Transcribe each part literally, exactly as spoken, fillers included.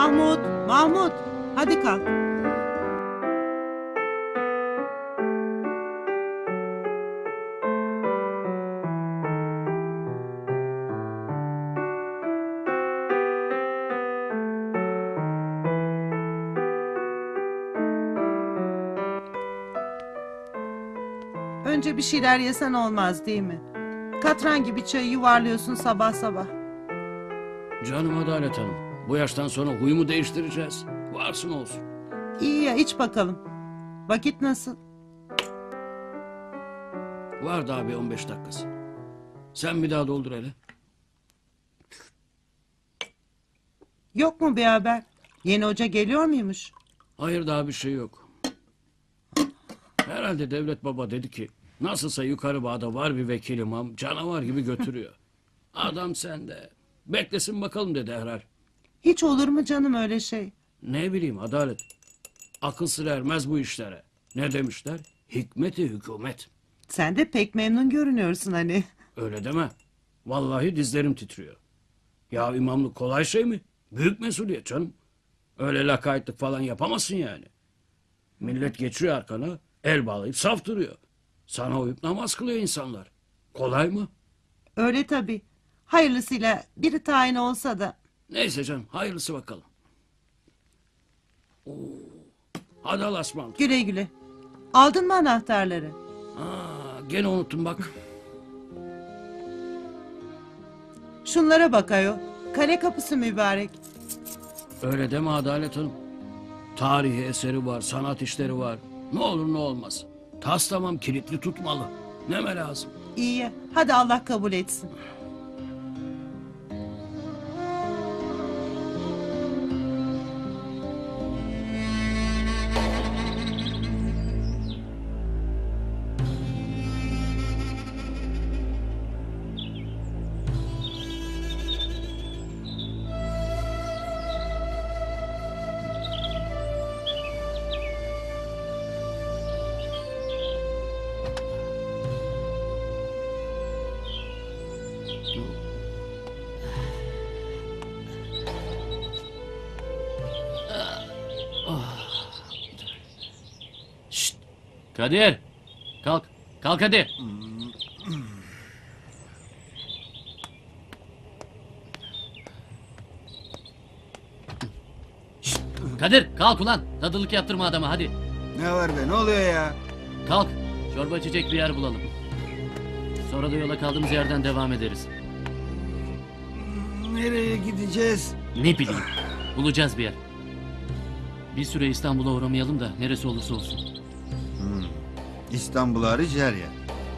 Mahmut, Mahmut. Hadi kalk. Önce bir şeyler yesen olmaz değil mi? Katran gibi çayı yuvarlıyorsun sabah sabah. Canım Adalet Hanım. Bu yaştan sonra huyumu değiştireceğiz. Varsın olsun. İyi ya iç bakalım. Vakit nasıl? Var daha bir on beş dakikası. Sen bir daha doldur hele. Yok mu bir haber? Yeni hoca geliyor muymuş? Hayır daha bir şey yok. Herhalde Devlet Baba dedi ki nasılsa yukarı bağda var bir vekil imam canavar gibi götürüyor. Adam sende. Beklesin bakalım dedi herhal. Hiç olur mu canım öyle şey? Ne bileyim Adalet. Akıl sır ermez bu işlere. Ne demişler? Hikmeti hükümet. Sen de pek memnun görünüyorsun hani. Öyle deme. Vallahi dizlerim titriyor. Ya imamlık kolay şey mi? Büyük mesuliyet canım. Öyle lakaytlık falan yapamazsın yani. Millet geçiyor arkana, el bağlayıp saf duruyor. Sana uyup namaz kılıyor insanlar. Kolay mı? Öyle tabii. Hayırlısıyla biri tayin olsa da. Neyse canım, hayırlısı bakalım. Oo. Hadi Allah'a ısmarladık. Güle güle. Aldın mı anahtarları? Aa, gene unuttum bak. Şunlara bak ayol. Kale kapısı mübarek. Öyle deme Adalet Hanım. Tarihi eseri var, sanat işleri var. Ne olur ne olmaz. Tas tamam kilitli tutmalı. Neme lazım? İyi ya. Hadi Allah kabul etsin. Şşt! Kadir! Kalk. Kalk hadi. Şşt! Kadir kalk ulan. Tadılık yaptırma adama hadi. Ne var be, ne oluyor ya? Kalk. Çorba içecek bir yer bulalım. Sonra da yola kaldığımız yerden devam ederiz. Nereye gideceğiz? Ne bileyim. Bulacağız bir yer. Bir süre İstanbul'a uğramayalım da neresi olursa olsun. İstanbul hariç her yer.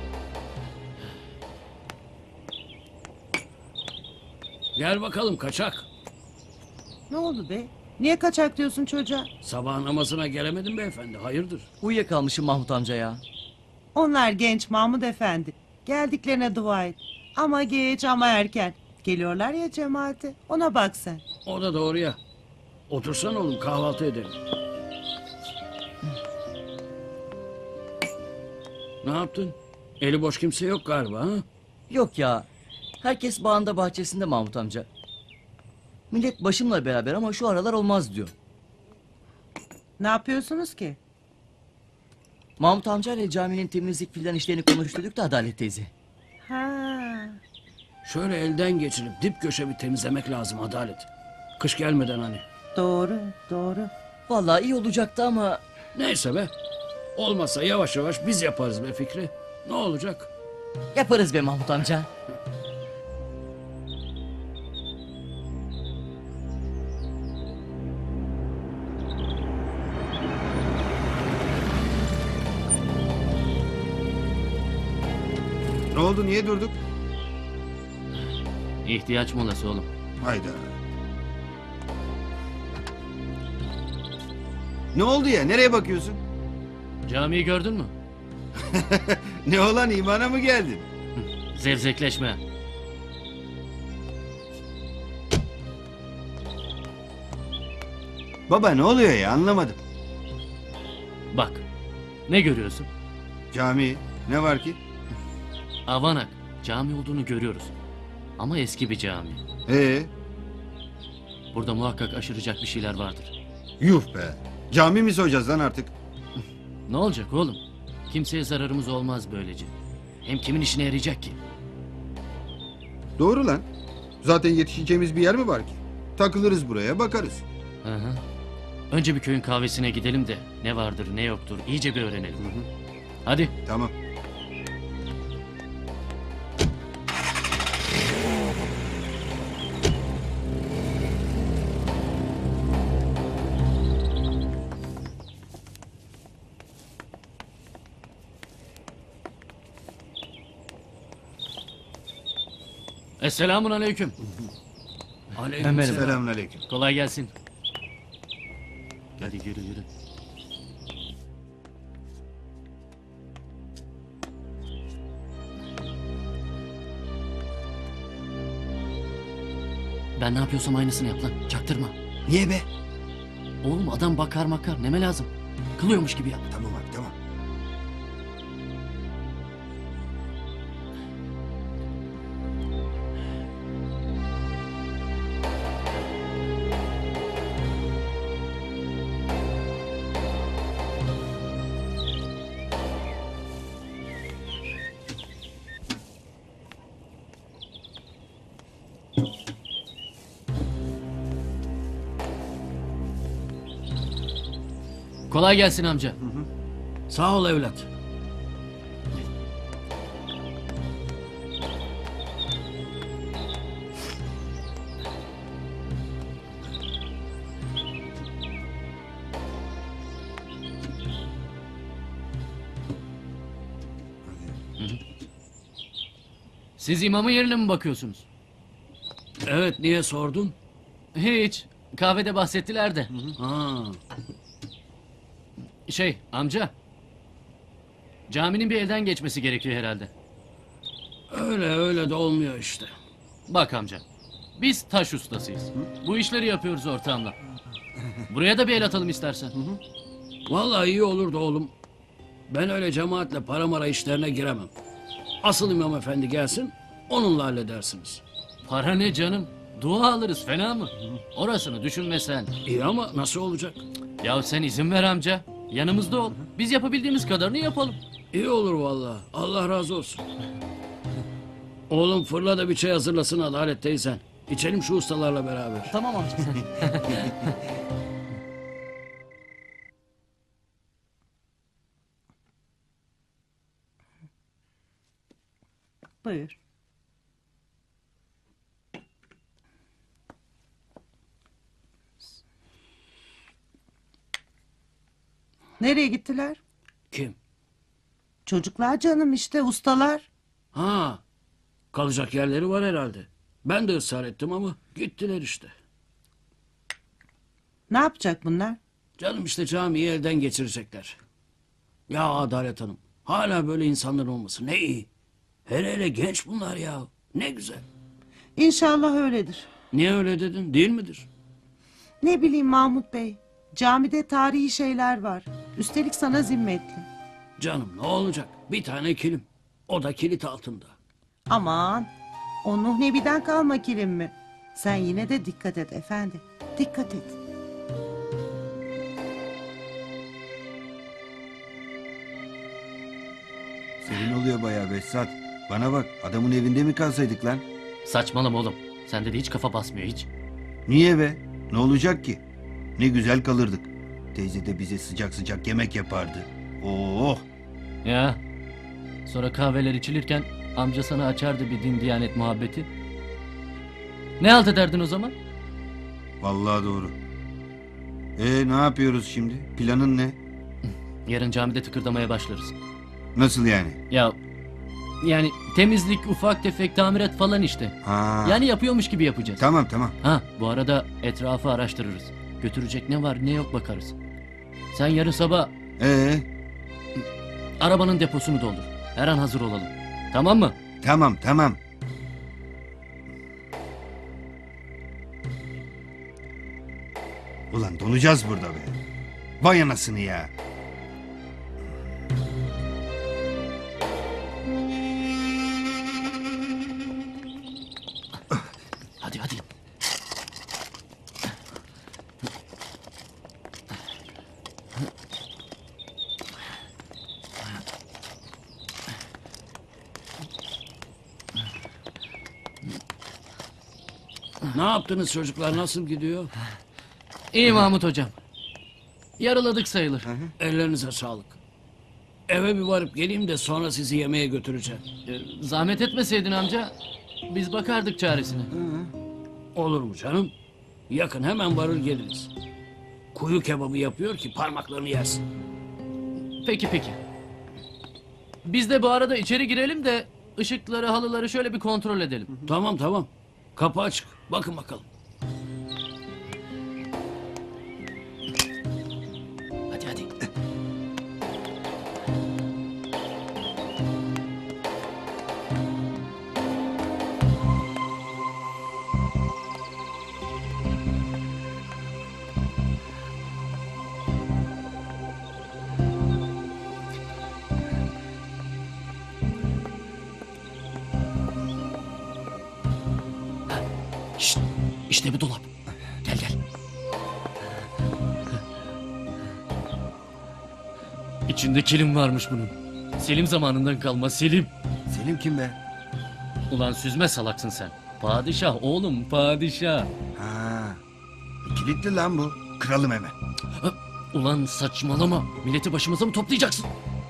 Gel bakalım kaçak. Ne oldu be? Niye kaçak diyorsun çocuğa? Sabah namazına gelemedim beyefendi. Hayırdır? Uyuyakalmışım Mahmut amca ya. Onlar genç Mahmut Efendi. Geldiklerine dua et. Ama geç ama erken. Geliyorlar ya cemaate. Ona bak sen. O da doğru ya. Otursan oğlum kahvaltı edelim. Ne yaptın? Eli boş kimse yok galiba ha? Yok ya. Herkes bağında bahçesinde Mahmut amca. Millet başımla beraber ama şu aralar olmaz diyor. Ne yapıyorsunuz ki? Mahmut amca ile caminin temizlik filan işlerini konuşturduk da Adalet teyze. Ha. Şöyle elden geçirip dip köşe bir temizlemek lazım Adalet. Kış gelmeden hani. Doğru, doğru. Vallahi iyi olacaktı ama Neyse be. Olmasa yavaş yavaş biz yaparız be Fikri. Ne olacak? yaparız be Mahmut amca. Ne oldu, niye durduk? İhtiyaç molası oğlum. Hayda. Ne oldu ya, nereye bakıyorsun? Camiyi gördün mü? Ne olan, imana mı geldin? Zevzekleşme. Baba ne oluyor ya, anlamadım. Bak. Ne görüyorsun? Cami, ne var ki? Avanak. Cami olduğunu görüyoruz. Ama eski bir cami. Ee, Burada muhakkak aşıracak bir şeyler vardır. Yuh be. Cami mi soyacağız lan artık? Ne olacak oğlum? Kimseye zararımız olmaz böylece. Hem kimin işine yarayacak ki? Doğru lan. Zaten yetişeceğimiz bir yer mi var ki? Takılırız buraya bakarız. Hı hı. Önce bir köyün kahvesine gidelim de ne vardır ne yoktur iyice bir öğrenelim. Hadi. Tamam. Esselamun aleyküm. Aleyküm selam. Selamünaleyküm. Kolay gelsin. Hadi yürü yürü. Ben ne yapıyorsam aynısını yap lan. Çaktırma. Niye be? Oğlum adam bakar makar. Neme lazım? Kılıyormuş gibi yap. Tamam abi tamam. Kolay gelsin amca. Sağ ol evlat. Siz imamın yerine mi bakıyorsunuz? Evet, niye sordun? Hiç. Kahvede bahsettiler de. Ha, Şey amca. Caminin bir elden geçmesi gerekiyor herhalde. öyle öyle de olmuyor işte. Bak amca. Biz taş ustasıyız. Bu işleri yapıyoruz ortağımla. Buraya da bir el atalım istersen. Vallahi iyi olurdu oğlum. Ben öyle cemaatle para mara işlerine giremem. Asıl imam efendi gelsin, onunla halledersiniz. Para ne canım? Dua alırız fena mı? Orasını düşünme sen. İyi ama nasıl olacak? Ya sen izin ver amca. Yanımızda ol. Biz yapabildiğimiz kadarını yapalım. İyi olur vallahi. Allah razı olsun. Oğlum fırla da bir çay hazırlasın Adalet teyzen. İçelim şu ustalarla beraber. Tamam amca sen. Buyur. Nereye gittiler? Kim? Çocuklar canım işte ustalar. Ha, kalacak yerleri var herhalde. Ben de ısrar ettim ama gittiler işte. Ne yapacak bunlar? Canım işte camiyi elden geçirecekler. Ya Adalet Hanım, hala böyle insanlar olması ne iyi. Hele hele genç bunlar ya. Ne güzel. İnşallah öyledir. Niye öyle dedin? Değil midir? Ne bileyim Mahmut Bey. Camide tarihi şeyler var. Üstelik sana zimmetli. Canım ne olacak? Bir tane kilim. O da kilit altında. Aman. O Nuh Nebi'den kalma kilim mi? Sen yine de dikkat et efendi. Dikkat et. Senin oluyor bayağı Behzat. Bana bak adamın evinde mi kalsaydık lan? Saçmalama oğlum. Sende de hiç kafa basmıyor hiç. Niye be? Ne olacak ki? Ne güzel kalırdık. Teyze de bize sıcak sıcak yemek yapardı. Oh! Ya. Sonra kahveler içilirken amca sana açardı bir din diyanet muhabbeti. Ne halt ederdin o zaman? Vallahi doğru. E ne yapıyoruz şimdi? Planın ne? Yarın camide tıkırdamaya başlarız. Nasıl yani? Ya yani temizlik, ufak tefek tamirat falan işte. Ha. Yani yapıyormuş gibi yapacağız. Tamam tamam. Ha bu arada etrafı araştırırız. Götürecek ne var ne yok bakarız. Sen yarın sabah Ee arabanın deposunu doldur. Her an hazır olalım. Tamam mı? tamam tamam. Ulan donacağız burada be. Vay anasını ya. Hadi hadi. Ne yaptınız çocuklar? Nasıl gidiyor? İyi Mahmut hocam. Yarıladık sayılır. Ellerinize sağlık. Eve bir varıp geleyim de sonra sizi yemeğe götüreceğim. Ee, Zahmet etmeseydin amca. Biz bakardık çaresine. Olur mu canım? Yakın, hemen varır geliriz. Kuyu kebabı yapıyor ki parmaklarını yersin. Peki peki. Biz de bu arada içeri girelim de ışıkları, halıları şöyle bir kontrol edelim. Tamam tamam. Kapı açık. Bakın bakalım. Hadi hadi. Şşt, işte bir dolap. Gel gel. İçinde kilim varmış bunun. Selim zamanından kalma Selim. Selim kim be? Ulan süzme salaksın sen. Padişah oğlum padişah. Ha. Kilitli lan bu. Kıralım hemen. Ha, ulan saçmalama. Milleti başımıza mı toplayacaksın?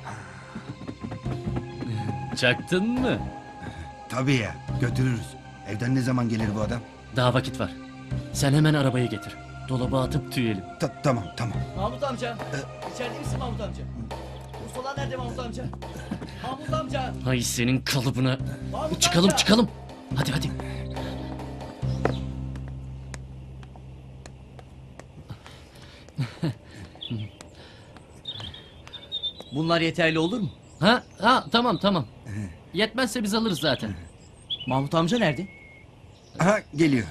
Çaktın mı? Tabii ya. Götürürüz. Evden ne zaman gelir bu adam? Daha vakit var. Sen hemen arabayı getir. Dolaba atıp tüyelim. Ta- tamam tamam. Mahmut amca. İçeride misin Mahmut amca? Mustafa nerede Mahmut amca? Mahmut amca. Hay senin kalıbına. Mahmut Çıkalım amca. çıkalım. Hadi hadi. Bunlar yeterli olur mu? Ha, ha tamam tamam. Yetmezse biz alırız zaten. Mahmut amca nerede? Aha geliyor.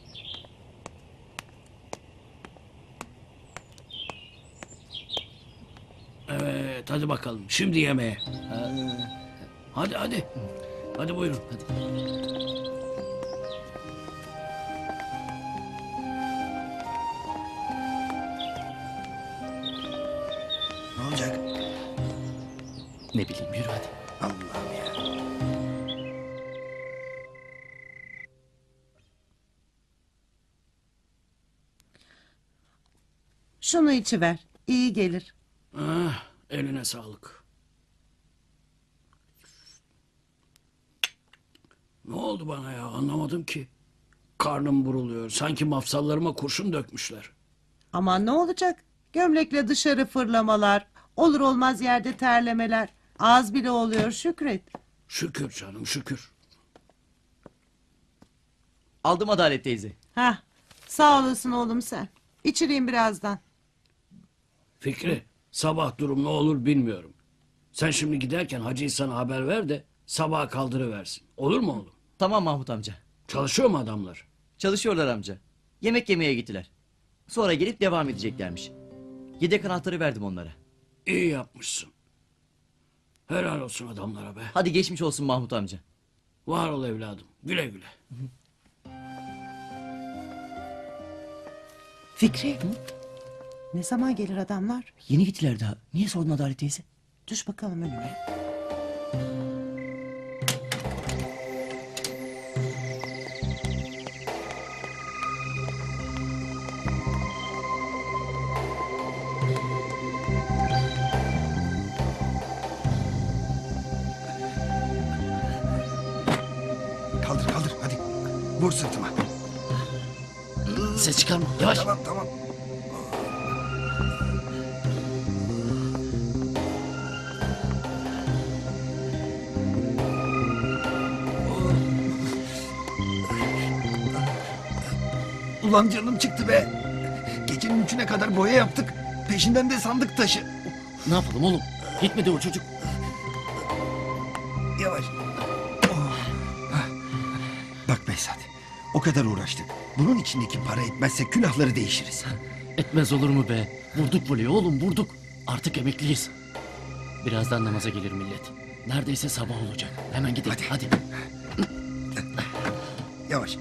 Evet hadi bakalım. Şimdi yemeğe. Hadi hadi. Hadi buyurun. Hadi. Ne olacak? Ne bileyim yürü hadi. Allah'ım ya. Şunu içiver. İyi gelir. Ah, eline sağlık. Ne oldu bana ya, anlamadım ki. Karnım buruluyor. Sanki mafsallarıma kurşun dökmüşler. Aman ne olacak? Gömlekle dışarı fırlamalar. Olur olmaz yerde terlemeler. Az bile oluyor Şükret. Şükür canım şükür. Aldım Adalet teyze. Hah, sağ olasın oğlum sen. İçireyim birazdan. Fikri, sabah durum ne olur bilmiyorum. Sen şimdi giderken Hacı İhsan'a haber ver de sabaha kaldırıversin. Olur mu oğlum? Tamam Mahmut amca. Çalışıyor mu adamlar? Çalışıyorlar amca. Yemek yemeye gittiler. Sonra gelip devam edeceklermiş. Yedek anahtarı verdim onlara. İyi yapmışsın. Helal olsun adamlara be. Hadi geçmiş olsun Mahmut amca. Var ol evladım. Güle güle. Fikri. Ne zaman gelir adamlar? Yeni gittiler daha. Niye sordun Adalet teyze? Düş bakalım önüme. Kaldır kaldır hadi. Vur sırtıma. Ses çıkarma yavaş. Tamam tamam. Ulan canım çıktı be. Gecenin üçüne kadar boya yaptık. Peşinden de sandık taşı. Ne yapalım oğlum? Gitmedi o çocuk. Yavaş. Oh. Hah. Bak Behzat. O kadar uğraştık. Bunun içindeki para etmezse külahları değişiriz. Etmez olur mu be? Vurduk voleyi oğlum vurduk. Artık emekliyiz. Birazdan namaza gelir millet. Neredeyse sabah olacak. Hemen gidelim hadi. Yavaş.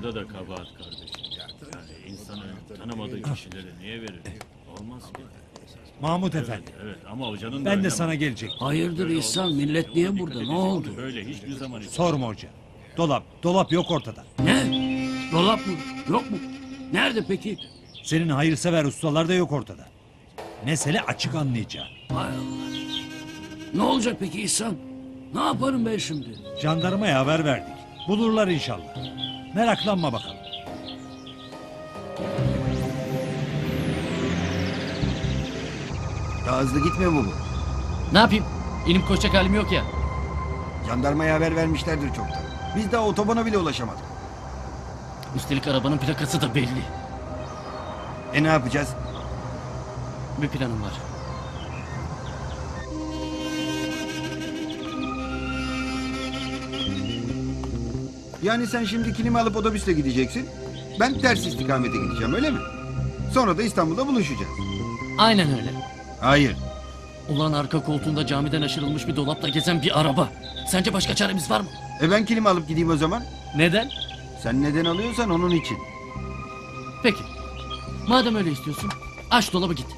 Orada da kabahat kardeşim. Yani insanın tanımadığı kişilere niye verir? Olmaz ki. Mahmut Efendi, Evet ama hocanın da ben de oynama. sana gelecek. Hayırdır İhsan, millet niye burada? Ne oldu? Böyle hiçbir zaman Sorma hoca. Dolap, dolap yok ortada. Ne? Dolap mı? Yok mu? Nerede peki? Senin hayırsever ustalar da yok ortada. Mesele açık anlayacağın. Hay Allah. Ne olacak peki İhsan? Ne yaparım ben şimdi? Jandarmaya haber verdik. Bulurlar inşallah. Meraklanma bakalım. Daha hızlı gitmiyor mu bu? Ne yapayım? İnip koşacak halim yok ya. Jandarmaya haber vermişlerdir çoktan. Biz daha otobana bile ulaşamadık. Üstelik arabanın plakası da belli. E ne yapacağız? Bir planım var. Yani sen şimdi kilimi alıp otobüsle gideceksin. Ben ters istikamete gideceğim öyle mi? Sonra da İstanbul'da buluşacağız. Aynen öyle. Hayır. Ulan arka koltuğunda camiden aşırılmış bir dolapla gezen bir araba. Sence başka çaremiz var mı? E ben kilimi alıp gideyim o zaman. Neden? Sen neden alıyorsan onun için. Peki. Madem öyle istiyorsun, aç dolabı git.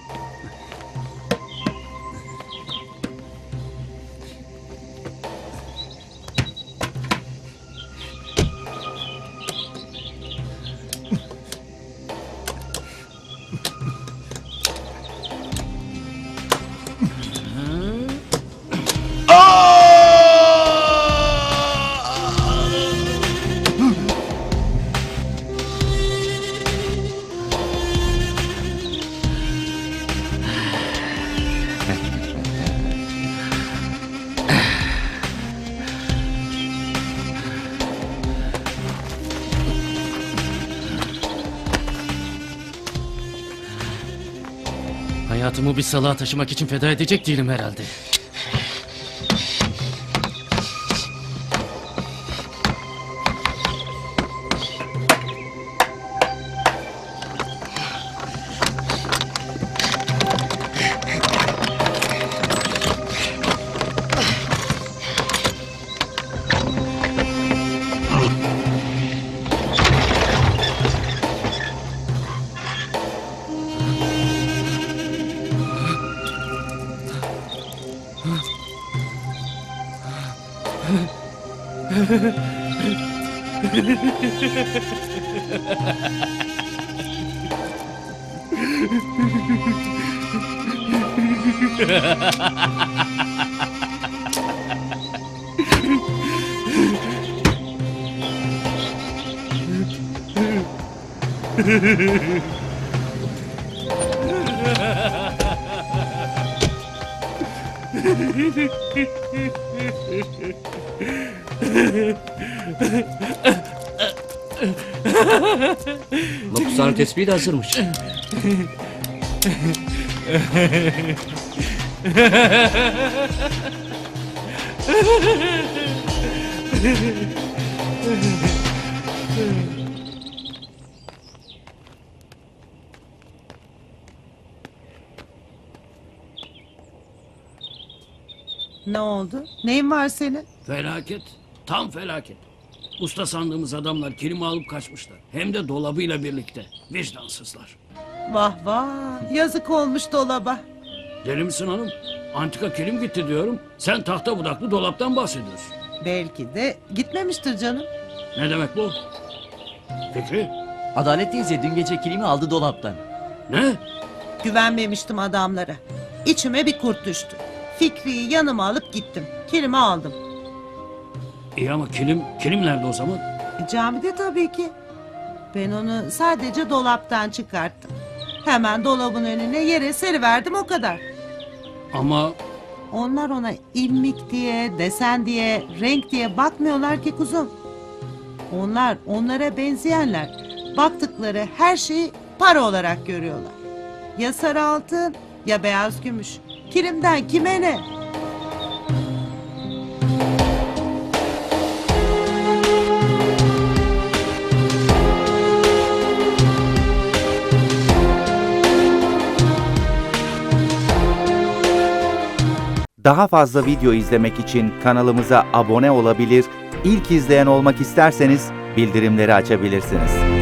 Hayatımı bir salağa taşımak için feda edecek değilim herhalde. Mapushane tespihi de hazırmış. Ne oldu? Neyin var senin? Felaket. Tam felaket. Usta sandığımız adamlar kilimi alıp kaçmışlar. Hem de dolabıyla birlikte. Vicdansızlar. Vah vah. Yazık olmuş dolaba. Deli misin hanım? Antika kilim gitti diyorum. Sen tahta budaklı dolaptan bahsediyorsun. Belki de gitmemiştir canım. Ne demek bu? Fikri? Adalet teyze dün gece kilimi aldı dolaptan. Ne? Güvenmemiştim adamlara. İçime bir kurt düştü. Fikri'yi yanıma alıp gittim. Kilimi aldım. İyi ama kilim, kilim nerede o zaman? E, camide tabii ki. Ben onu sadece dolaptan çıkarttım. Hemen dolabın önüne yere seriverdim o kadar. Ama Onlar ona ilmik diye, desen diye, renk diye bakmıyorlar ki kuzum. Onlar onlara benzeyenler. Baktıkları her şeyi para olarak görüyorlar. Ya sarı altın ya beyaz gümüş. Kilimden kime ne? Daha fazla video izlemek için kanalımıza abone olabilir, ilk izleyen olmak isterseniz bildirimleri açabilirsiniz.